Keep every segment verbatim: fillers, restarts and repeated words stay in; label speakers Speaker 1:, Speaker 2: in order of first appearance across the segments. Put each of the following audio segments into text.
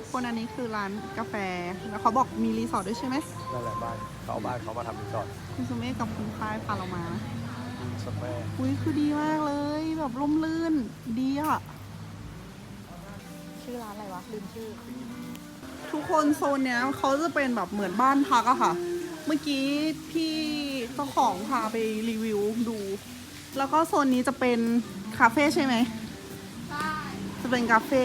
Speaker 1: คนอันนี้คือร้านกาแฟแล้วเขาบอกมีรีสอร์ทด้วยใช่ไหม
Speaker 2: นั่นแหละบ้านเขาเอาบ้านเขามาทำรีสอร์ท
Speaker 1: คุณสุเมฆกับคุณพายพาเรามา
Speaker 2: สเปรย์
Speaker 1: อุ้ยคือดีมากเลยแบบร่มรื่นดีอ่ะชื่อร้านอะไรวะลืมชื่อทุกคนโซนเนี้ยเขาจะเป็นแบบเหมือนบ้านพักอะค่ะเมื่อกี้พี่เจ้าของพาไปรีวิวดูแล้วก็โซนนี้จะเป็นคาเฟ่ใช่ไหมใช่จะเป็นคาเฟ่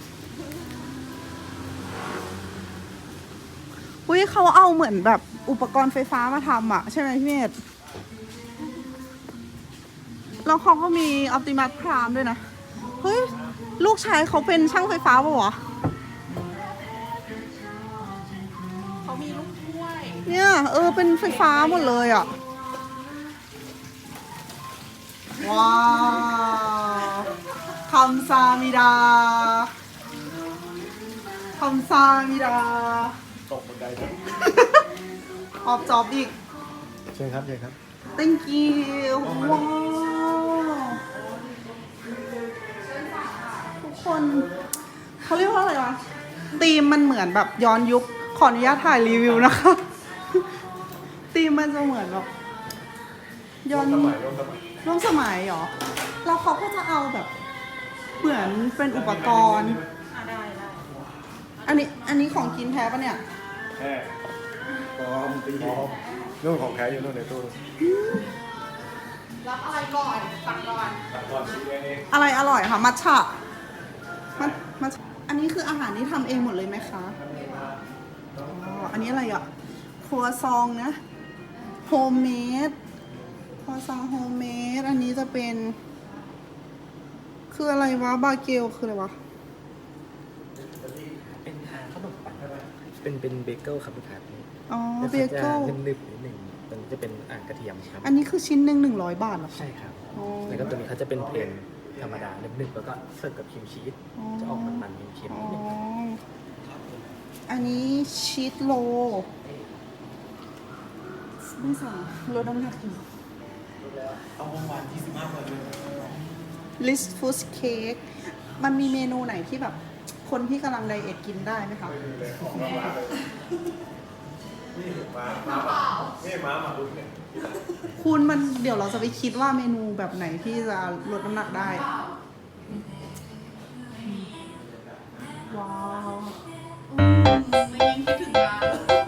Speaker 1: อุ้ยเขาเอาเหมือนแบบอุปกรณ์ไฟฟ้ามาทำอะใช่ไหมพี่เมธแล้วเขาก็มีออปติมัสพรามด้วยนะเฮ้ยลูกชายเขาเป็นช่างไฟฟ้าป่ะวะเขามีลูกถ้วยเนี่ยเออเป็นไฟฟ้าหมดเลยอะว้าวคำซามิดาคำซามิดา
Speaker 2: ตกบันไดเลย
Speaker 1: ออบจอบอีก
Speaker 2: เชิญครับเชิญครับ
Speaker 1: thank you ว้าวทุกคนเขาเรียกว่าอะไรวะธีมมันเหมือนแบบย้อนยุคขออนุญาตถ่ายรีวิวนะคะธีมมันจะเหมือนแบบย้อน
Speaker 2: สมัยร่วมสมัย
Speaker 1: ร่วมสมัยเหรอแล้วเขาก็จะเอาแบบเหมือนเป็นอุปกรณ์ได้ได้อันนี้อันนี้ของกินแท้ปะเนี่ย
Speaker 2: แท้ปลอมตีปลอมนู่นของแท้อยู่นู่นในตู้
Speaker 1: รับอะไรก่อนตักก่อน
Speaker 2: ตักก่อนชี้เอง
Speaker 1: อะไรอร่อยคะมัทฉะมัทมัทอันนี้คืออาหารที่ทำเองหมดเลยไหมคะอ๋ออันนี้อะไรอ่ะครัวซองนะโฮมเมดครัวซองโฮมเมดอันนี้จะเป็นคืออะไรวะบาเกลคืออะไรวะ
Speaker 3: เป็นขนมปังเป็นเป็นเบเกิลครับลูกค้า
Speaker 1: อ๋อเบเกิล
Speaker 3: หนึบๆนิดหนึ่งมันจะเป็นอ่างกระเทียมครับ
Speaker 1: อันนี้คือชิ้นหนึ่งหนึ่งร้อยบาทเหรอ
Speaker 3: ใช่ครับแล้วก็ตัวนี้เขาจะเป็นเพลนธรรมดาหนึบๆแล้วก็เสิร์ฟกับครีมชีสจะออกมันๆเค็มๆนิดนึง
Speaker 1: อันนี้ชีสโลไม่สั่งลดน้ำหนักอยู่
Speaker 3: เอาประมาณยี่สิบห้าเปอร์เซ็นต์
Speaker 1: ลิสฟูสเค้กมันมีเมนูไหนที่แบบคนที่กำลังไดเอทกินได้ไหมคะ
Speaker 2: นี่ม้าม้าเปล่านี่ม้าหมาดุเนี่ย
Speaker 1: คุณมันเดี๋ยวเราจะไปคิดว่าเมนูแบบไหนที่จะลดน้ำหนักได้ว้าวไม่ยังคิดถึงงาน